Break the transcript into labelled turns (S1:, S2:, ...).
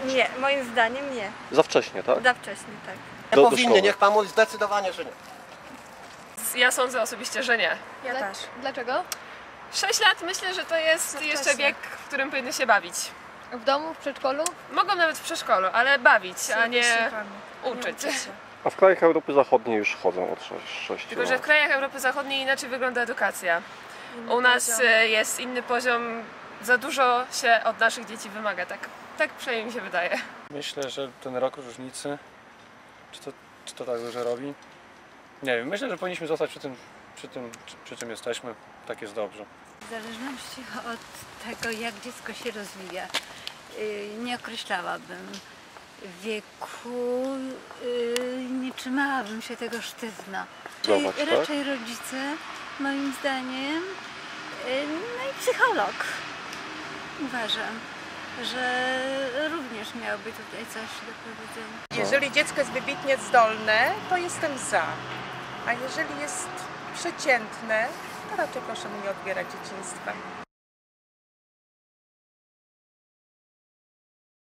S1: Nie, moim zdaniem nie.
S2: Za wcześnie, tak?
S1: Za wcześnie, tak.
S3: Nie
S2: Do
S3: powinny,
S2: szkoły.
S3: niech pan mówi zdecydowanie, że nie.
S4: Ja sądzę osobiście, że nie.
S1: Ja też.
S5: Dlaczego?
S4: 6 lat myślę, że to jest jeszcze wiek, w którym powinny się bawić.
S5: W domu, w przedszkolu?
S4: Mogą nawet w przedszkolu, ale bawić, a nie uczyć.
S2: A w krajach Europy Zachodniej już chodzą od 6
S4: Tylko, że w krajach Europy Zachodniej inaczej wygląda edukacja. U nas jest inny poziom, za dużo się od naszych dzieci wymaga, tak przynajmniej mi się wydaje.
S6: Myślę, że ten rok różnicy, czy to tak dużo robi? Nie wiem, myślę, że powinniśmy zostać przy czym jesteśmy. Tak jest dobrze.
S7: W zależności od tego, jak dziecko się rozwija, nie określałabym wieku, nie trzymałabym się tego sztywno.
S2: Zobacz, tak?
S7: Raczej rodzice, moim zdaniem, no i psycholog. Uważam, że również miałby tutaj coś do powiedzenia.
S8: Jeżeli dziecko jest wybitnie zdolne, to jestem za. A jeżeli jest przeciętne, to raczej proszę mu nie odbierać dzieciństwa.